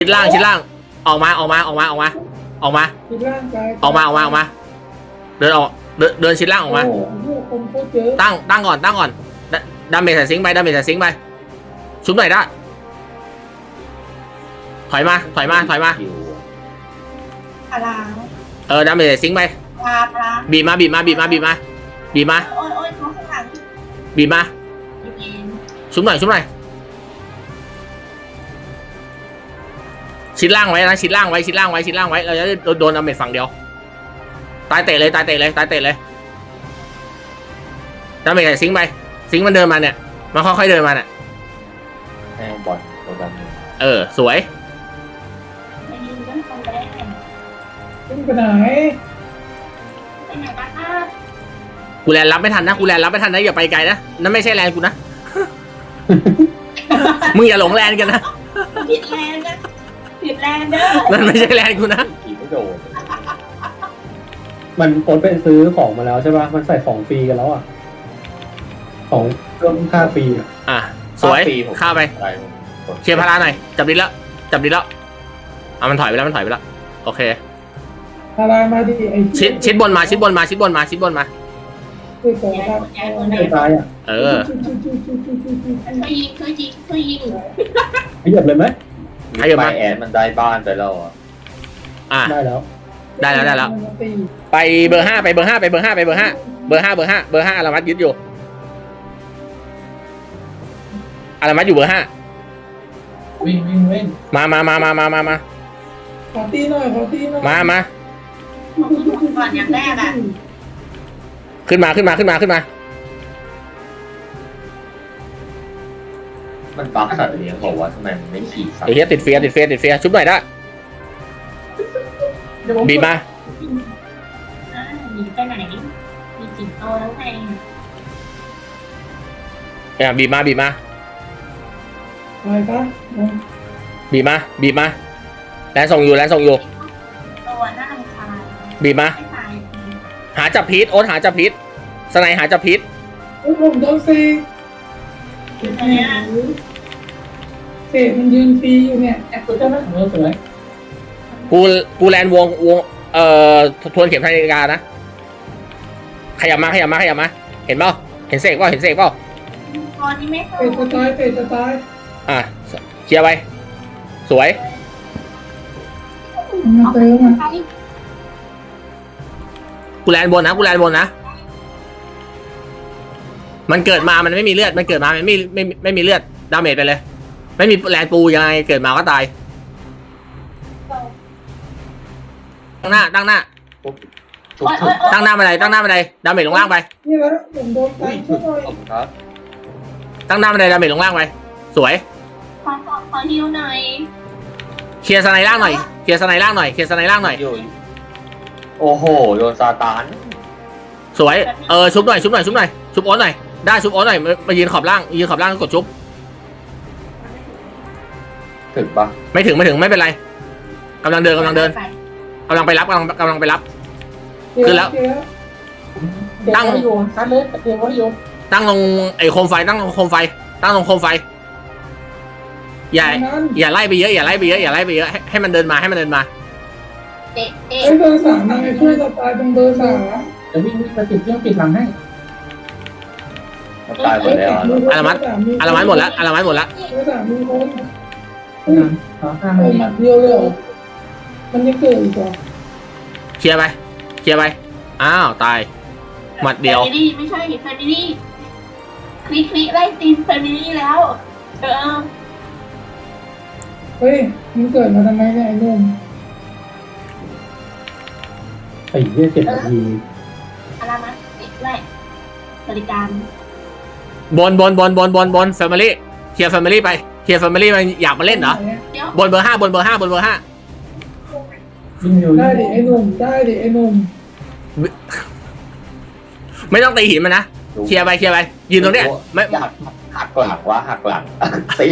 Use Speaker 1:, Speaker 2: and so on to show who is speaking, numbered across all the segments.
Speaker 1: ชิดล่างออกมาเดินออกเดินชิดล่างออกมาตั้งก่อนดาเมจใส่ซิงค์ไปชุบหน่อยได้ถอยมา
Speaker 2: พลา
Speaker 1: ดาเมจใส่ซิงค์ไปบีมา
Speaker 2: โอ้ยท้องข้างหลัง
Speaker 1: บีมาชุบหน่อยชิดล่างไว้เราจะโดนดาเมจฝั่งเดียวตายเตะเลยดาเมจใส่ซิงค์ไปซิงค์มันเดินมาเนี่ยมันค่อยๆเดินมาเนี่ย
Speaker 3: แม่งบอลตัวดำ
Speaker 1: สวย
Speaker 2: ไปไหน
Speaker 1: กูแลนรับไม่ทันนะอย่าไปไกลนะนั่นไม่ใช่แลนกูนะมึงอย่าหลงแลนกันนะ
Speaker 2: ผิดแลนเด้อ
Speaker 1: นั่นไม่ใช่แลนกูนะ
Speaker 3: ขี่ไม่โดน
Speaker 4: มันโอนไปซื้อของมาแล้วใช่ป่ะมันใส่ของฟรีกันแล้วอ่ะของเพิ่มค่าฟรี
Speaker 1: อ่ะสวยข้าไปเชียร์พาราหน่อยจับดิแล้วมันถอยไปแล้วโอเค
Speaker 2: พารามาดิ
Speaker 1: ชิดบนมา
Speaker 4: ตายอ่ะ
Speaker 2: ช่วยยิง
Speaker 4: ขยับเลยไหม
Speaker 1: ขยับมา
Speaker 3: แอนมันได้บ้านไปแล้ว
Speaker 4: ได้แล้ว
Speaker 1: ไปเบอร์ 5ไปเบอร์ 5อารามัดยึดอยู่อารามัดอยู่เบอร์ 5
Speaker 2: วิ่ง
Speaker 1: มา
Speaker 2: ขอตีหน่อย
Speaker 1: มา
Speaker 2: ก่อนอย่างแรก
Speaker 1: ขึ้นมา
Speaker 3: มันบั๊กสัตว์เลี้ยงบอกว่าทำไมมันไม่ขี่สัตว์
Speaker 1: ไอ้เหี้ยติดเฟียชุบหน่อยได้บีมา
Speaker 2: หนีไปไหนมีจิ๋งโตแล้วไง
Speaker 1: บีมา
Speaker 2: อะไรปะ
Speaker 1: บีมาแลนส่งอยู่
Speaker 2: ตัวน่ารำคาญ
Speaker 1: บีมาหาจับพีทโอ๊ตหาจับพีทสไนหาจับพีท
Speaker 2: ผมโดนเสกมันยืนฟรีอยู่เนี่ยแอบกดได้ไหมสวย
Speaker 1: กูแลนวงทวนเข็มนาฬิกานะขยับมาเห็นเปล่าเห็นเสกเปล่า
Speaker 2: ตอนนี้ไม่เข้าเฟจะตาย
Speaker 1: เคลียร์ไปสวยกูแลนบนนะมันเกิดมามันไม่มีเลือดไม่มีเลือดดาเมจไปเลยไม่มีแลนปูยังไงเกิดมาก็ตายตั้งหน้าบันไดดาเมจลงล่างไป
Speaker 2: นี่แล้วผมโดนตายช่วยหน่อย
Speaker 1: ตั้งหน้าบันไดดาเมจลงล่างไปสวย
Speaker 2: ขอฮิวหน่อย
Speaker 1: เคลียร์สไนล่างหน่อย
Speaker 3: โอ้โหโดนซาตาน
Speaker 1: สวยชุบหน่อยชุบโอ๊ตหน่อยได้ชุบโอ๊ตหน่อยมายืนขอบล่างกดชุบ
Speaker 3: ถึงปะ
Speaker 1: ไม่ถึงไม่เป็นไรกำลังเดินกำลังไปรับขึ้นแล้วตั้งลงไอ้โคมไฟอย่าไล่ไปเยอะให้มันเดินมา
Speaker 2: เบอร์ 3นายช่วยจะตายตรงเบอร์ 3
Speaker 4: เดี๋ยววิ่งไปปิดหลังให้
Speaker 3: ตายหมดแล้ว
Speaker 1: อารามัดหมดแล้ว
Speaker 2: เบอร์ 3มีคนหมัดเดียวเลยมันยังเกิดอีกเหรอ
Speaker 1: เคลียร์ไปอ้าวตายหมัดเดียว
Speaker 2: ไม่ใช่แฟมิลี่คลิกไล่ตีนแฟมิลี่แล้วเฮ้ยมันเกิดมาทำไมเนี่ยไอ้นุ่ม
Speaker 4: ไอ้เหี้ย7 นาที
Speaker 2: อะไรมั้ยติดแรกบริการ
Speaker 1: บนแฟมิลี่เคลียร์แฟมิลี่ไปมันอยากมาเล่นเหรอบนเบอร์ 5
Speaker 2: ได้ดิไอ้นุ่ม
Speaker 1: ไม่ต้องตีหินมันนะเคลียร์ไปยืนตรงเนี้ยไม่
Speaker 3: หักหลังตี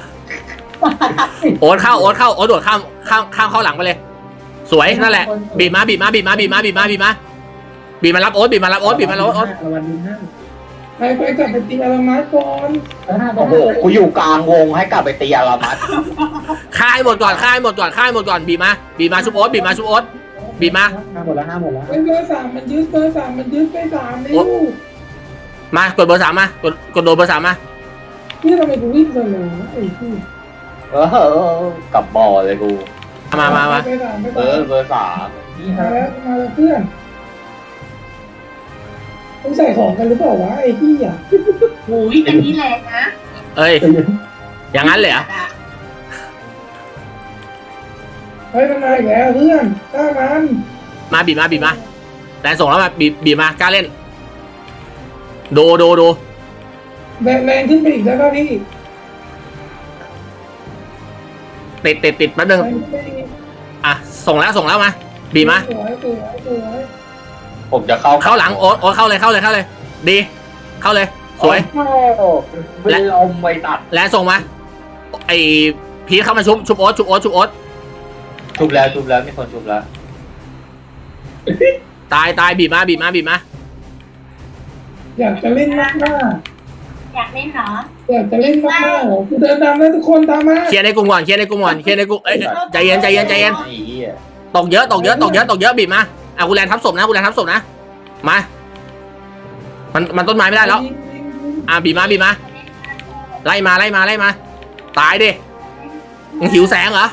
Speaker 1: โอ๊ตเข้าโดดข้ามเข้าหลังไปเลยสวยนั่นแหละบีมารับโอ๊ต
Speaker 2: ไปกลับไปตีอารามาก่อน
Speaker 3: โอ้โหกูอยู่กลางวงให้กลับไปตีอารามัส
Speaker 1: ฆ่าให้หมดก่อนฆ่าให้หมดก่อนฆ่าให้หมดก่อนบีมาชุบโอ๊ตบีมาชุบโอ๊ตบีมา
Speaker 4: ห้าหมดแล้ว
Speaker 2: เบอร์สามมันยึดเบอร์สามมันยึดไปสามนิ้ว
Speaker 1: มากดเบอร์3มากดโดนเบอร์3มา
Speaker 2: นี่ทำไมกูวิ่งเลยไอ้ที่
Speaker 3: กลับบ่อเลยกู
Speaker 1: มา
Speaker 2: ไปสามไป
Speaker 3: เบ
Speaker 2: สาม
Speaker 3: อร์สาม
Speaker 2: มาแล้วเพื่อนต้องใส่ของกันหรือเปล่าวะไอ้ที่อ่ะ
Speaker 5: โอ้ยอันนี้แรงนะ
Speaker 1: เอ้ยอย่างนั้นเลยเหรอ
Speaker 2: เฮ้ยมันมาอีกแล้วเพื่อนกล้ามัน
Speaker 1: มาบีมาแรงส่งแล้วมาบีมากล้าเล่นโด
Speaker 2: แรงขึ้นไปอีกแล้วก็พี่
Speaker 1: ติดแป๊บนึง
Speaker 2: แรงขึ้นไปอีก
Speaker 1: อ่ะส่งแล้วมาบีมา
Speaker 2: สวย
Speaker 3: ผมจะ
Speaker 1: เข้าหลังโอ๊ตเข้าเลยดีเข้าเลยสวย
Speaker 3: เป็นลมไปตัด
Speaker 1: แรงส่งมาไอพีทเข้ามาชุบโอ๊ตชุบแล้ว
Speaker 3: มีคนชุบแล้ว
Speaker 1: ตายบีบมา
Speaker 2: อยากจะเล่นมาก
Speaker 5: อยากเล่นเหรอ
Speaker 2: อยากจะเล่นมากกูเดินตามแล้วทุกคนตามมา
Speaker 1: เคลียร์ในกลุ่มก่อนเอ้ยใจเย็น
Speaker 3: ไอ้เหี้ย
Speaker 1: ตกเยอะบีบมาอ่ะกูแลนทับศพนะมามันต้นไม้ไม่ได้แล้วอ่ะบีบมาไล่มาตายดิมึงหิวแสงเหรอ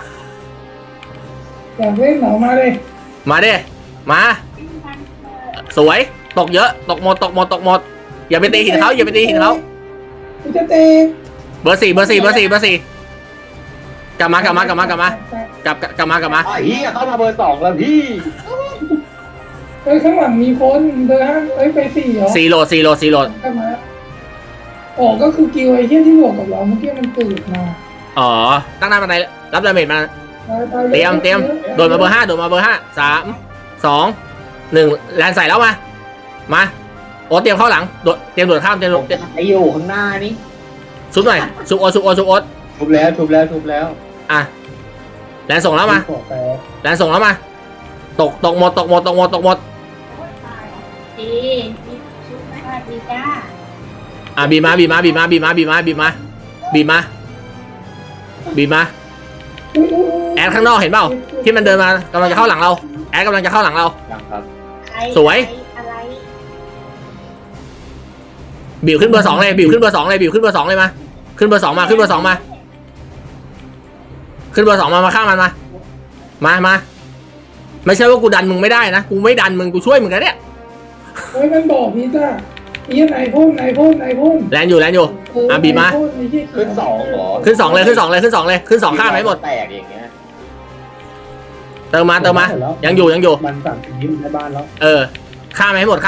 Speaker 2: อยากเล่นเหรอมาเลย
Speaker 1: มาดิมาสวยตกเยอะตกหมดอย่าไปตีหินเขา
Speaker 2: กูจะเตะ
Speaker 1: เบอร์4กลับมา
Speaker 3: ไอ้เหี้ยเข้ามาเบอร์2แล้วพี่
Speaker 2: เฮ้ยข้างหลังมีคนเดินเฮ้ยไปสี่เหรอ
Speaker 1: 4โหลด
Speaker 2: กลับมาอ๋อก็คือกิวไอ้เหี้ยที่บวกกับเราเมื่อกี้มันตื่นมา
Speaker 1: อ๋อตั้งหน้าบันไดรับดาเมจมาเตรียมโดนมาเบอร์5 3 2 1แลนใส่แล้วมาโอ้เตรียมเข้าหลังเตรียมโดดข้าม
Speaker 3: ไอ้อยู่ข้างหน้านี่
Speaker 1: ชุบหน่อยชุบโอ๊ต
Speaker 3: ชุบแล้ว
Speaker 1: อ่ะแลนส่งแล้วมาตกหมด
Speaker 5: ดีชุดมาดีจ้า
Speaker 1: อ่ะบีมาแอดข้างนอกเห็นเปล่าที่มันเดินมากำลังจะเข้าหลังเราแอดกำลังจะเข้าหลังเรา
Speaker 3: ยังครับ
Speaker 1: สวย
Speaker 5: อะไร
Speaker 1: บิวขึ้นเบอร์2เลยบิวขึ้นเบอร์2เลยมาขึ้นเบอร์2มาขึ้นเบอร์2มาฆ่ามันมาไม่ใช่ว่ากูดันมึงไม่ได้นะกูไม่ดันมึงกูช่วยมึงนะเนี่ย
Speaker 2: เฮ้ยมันบอกนี่จ้าไอ้เหี้ยไหนพ่น
Speaker 1: แลนอยู่อ่ะบีมา
Speaker 3: ขึ้น2เหรอ
Speaker 1: ขึ้น2เลยขึ้น2ฆ่าไหมหมด
Speaker 3: แตกอย่างเงี้ย
Speaker 1: เติมมายังอยู่
Speaker 4: มันสั่งสิ่งนี้ในบ้านแล้ว
Speaker 1: ฆ่าไหมหมด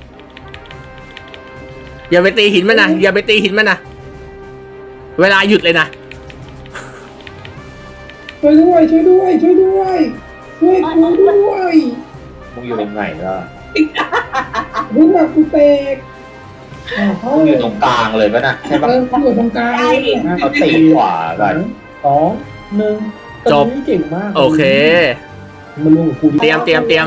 Speaker 1: อย่าไปตีหินมันนะเวลาหยุดเลยนะ
Speaker 2: ช่วยด้วยช่วยกูด้วย
Speaker 3: มึงอยู่ตรงไหนล่ะ
Speaker 2: รู้ว่ากูเตะ
Speaker 3: มึงอยู่ตรงกลางเลยป่ะนะใช่ปะ
Speaker 2: อยู่ตรงกลาง
Speaker 3: เขาตีขวากัน
Speaker 4: 2 1
Speaker 1: จบ
Speaker 4: เก่งมาก
Speaker 1: โอเค
Speaker 4: มันลงกับกู
Speaker 1: เตรียม
Speaker 2: รอก่อน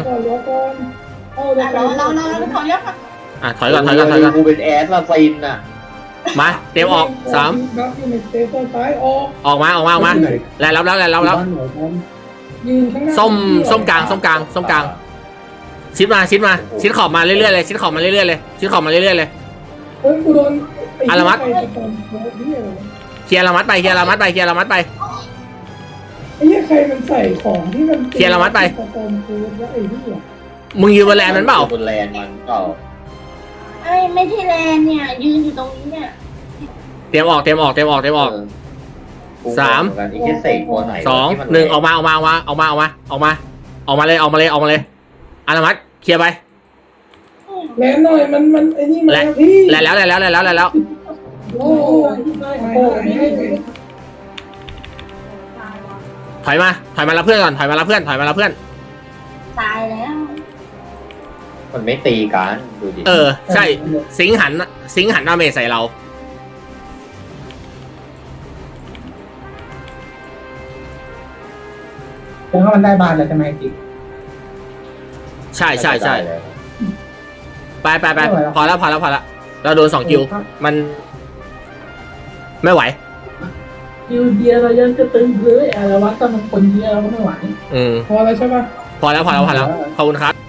Speaker 5: เราขอเยอะค่ะ
Speaker 1: อ่ะถอยก่อน
Speaker 3: กูเป็นแอสลาซินน่ะ
Speaker 1: มาเตรียมออก3
Speaker 2: บัฟอยู่ในเตะต้นซ้ายออก
Speaker 1: ออกมาแลนรับ
Speaker 2: ยืนข้างหน้า
Speaker 1: ส้มกลางชิดขอบมาเรื่อยๆเลยชิดขอบมาเรื่อยๆเลย
Speaker 2: เฮ้ยกูโดน
Speaker 1: อารามัด เคลียร์ละมัดไป
Speaker 2: ไอ้เหี้ยใครมันใส่ของที่มัน
Speaker 1: เคลียร์ละมัดไป
Speaker 2: สตอมฟูดแล้วไอ้เหี้ย
Speaker 1: มึงยืนบนแลนมันเปล่า
Speaker 3: บนแลนมันเปล่า
Speaker 5: ไม่ใช่แลนเนี่ยยืนอยู่ตรงนี้เนี่ย
Speaker 1: เตรียมออก
Speaker 3: เออ
Speaker 1: สาม
Speaker 3: อีกแค่เสกตัวไหน
Speaker 1: 2 1ออกมาเลยอารามัดเคลียร์ไป
Speaker 2: แลนหน่อยมันไอ้นี่มาพี่
Speaker 1: แลนแล้ว
Speaker 2: โอ้โห
Speaker 1: ถอยมารับเพื่อนก่อนถอยมารับเพื่อน
Speaker 5: ตายแล้ว
Speaker 3: มันไม่ตีกันดูดิ
Speaker 1: ใช่สิงหันดาเมจใส่เรา
Speaker 2: เพราะว่ามันได้บานแล้วใช่ไหมจิ๊ก
Speaker 1: ใช่ไปพอแล้วเราโดน2 คิวมัน ไม่ไหว
Speaker 2: คิวเดียวเรายังจะตึงเลยอะไรวะแต่มันคนเดียวเราก็ไม่ไหว
Speaker 1: อืม
Speaker 2: พอแล้วใช่ปะ
Speaker 1: พอแล้วขอบคุณครับ